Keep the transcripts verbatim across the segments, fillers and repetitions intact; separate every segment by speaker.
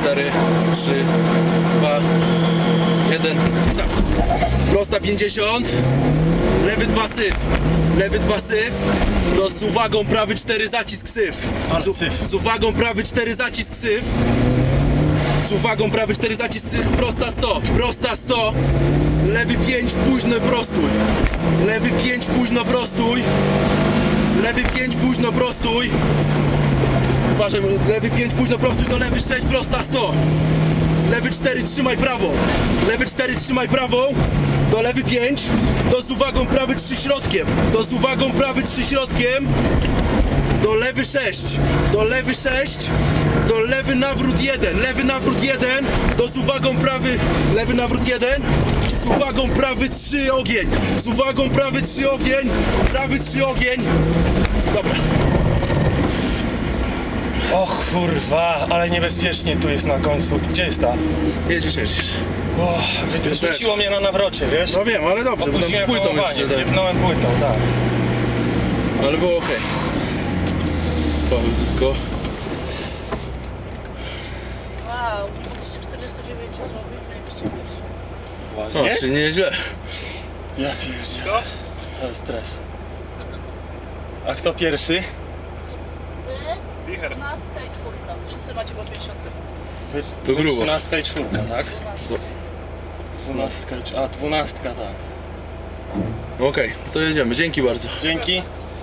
Speaker 1: cztery, trzy, dwa, jeden. Start. Prosta pięćdziesiąt. Lewy dwa syf. Lewy dwa syf. Do z uwagą prawy cztery zacisk syf. Z, z uwagą prawy cztery zacisk syf. Z uwagą prawy cztery zacisk syf. Prosta sto. Prosta sto. Lewy pięć późno prostój. Lewy pięć późno prostój. Lewy pięć późno prostój. Uważaj, lewy pięć późno prostój do lewy sześć prosta sto. Lewy cztery trzymaj prawą. Lewy cztery trzymaj prawą. Do lewy pięć. Do z uwagą prawy trzy środkiem. Do z uwagą prawy trzy środkiem. Do lewy sześć. Do lewy sześć. Do lewy nawrót jeden. Lewy nawrót jeden. Do z uwagą prawy. Lewy nawrót jeden. Z uwagą prawy trzy ogień. Z uwagą prawy trzy ogień. Prawy trzy ogień. Dobra.
Speaker 2: O kurwa, ale niebezpiecznie tu jest na końcu. Gdzie jest ta?
Speaker 1: Jedziesz, jedziesz.
Speaker 2: O, wyrzuciło mnie na nawrocie, wiesz?
Speaker 1: No wiem, ale dobrze, bo tam
Speaker 2: Opuściłem
Speaker 1: płytą
Speaker 2: hamowanie,
Speaker 1: jeszcze tak.
Speaker 2: jebnąłem płytą, tak.
Speaker 1: Ale było okej. Powolutko.
Speaker 3: Wow, dwieście czterdzieści dziewięć złotych, najwyższy pierwszy.
Speaker 1: No,
Speaker 2: Nie?
Speaker 1: czy nieźle.
Speaker 2: Ja pierdzielę. Ale stres. A kto pierwszy?
Speaker 3: Wy, dwunastka i czwórka. Wszyscy macie po pięćdziesiąt sekund.
Speaker 1: To grubo.
Speaker 2: Trzynastka i czwórka, tak? Dwunastka, i- a dwunastka, tak.
Speaker 1: Okej, to jedziemy, dzięki bardzo.
Speaker 2: Dzięki.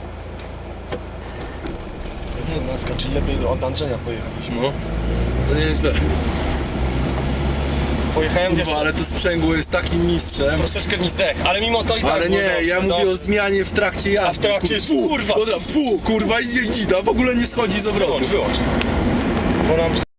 Speaker 2: Dwunastka, czyli lepiej od Andrzeja pojechaliśmy.
Speaker 1: No, to nieźle.
Speaker 2: Pojechałem gdzieś,
Speaker 1: Kurwa, ale to sprzęgło jest takim mistrzem.
Speaker 2: troszeczkę mi zdech, ale mimo to i tak
Speaker 1: Ale
Speaker 2: było
Speaker 1: nie,
Speaker 2: dobrze,
Speaker 1: ja mówię
Speaker 2: dobrze.
Speaker 1: o zmianie w trakcie jazdy.
Speaker 2: A w trakcie,
Speaker 1: Fu,
Speaker 2: kurwa.
Speaker 1: Dobra, fu, kurwa, idzie dzida, w ogóle nie schodzi z obrotu.
Speaker 2: Wyłącz, wyłącz. Bo nam